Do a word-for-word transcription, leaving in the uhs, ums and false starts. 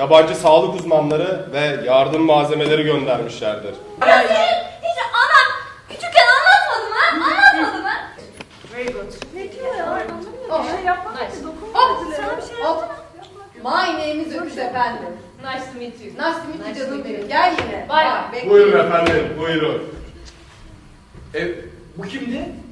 yabancı sağlık uzmanları ve yardım malzemeleri göndermişlerdir. Ya senin hiç anam küçükken anlatmadı mı? Anlatmadı mı? Very good. Ne diyor ya? Anlamıyorum. Oh, Bir şey yapmadı nice. ki, dokunmadı. Hop, Sana bir şey hop. yapmadı. My name is Öküz efendim. Nice to meet you. Nice to meet you Nice canım to meet benim. you. Gel yine. Bye. Bak, bekle. Buyurun efendim, buyurun. E, bu kimdi?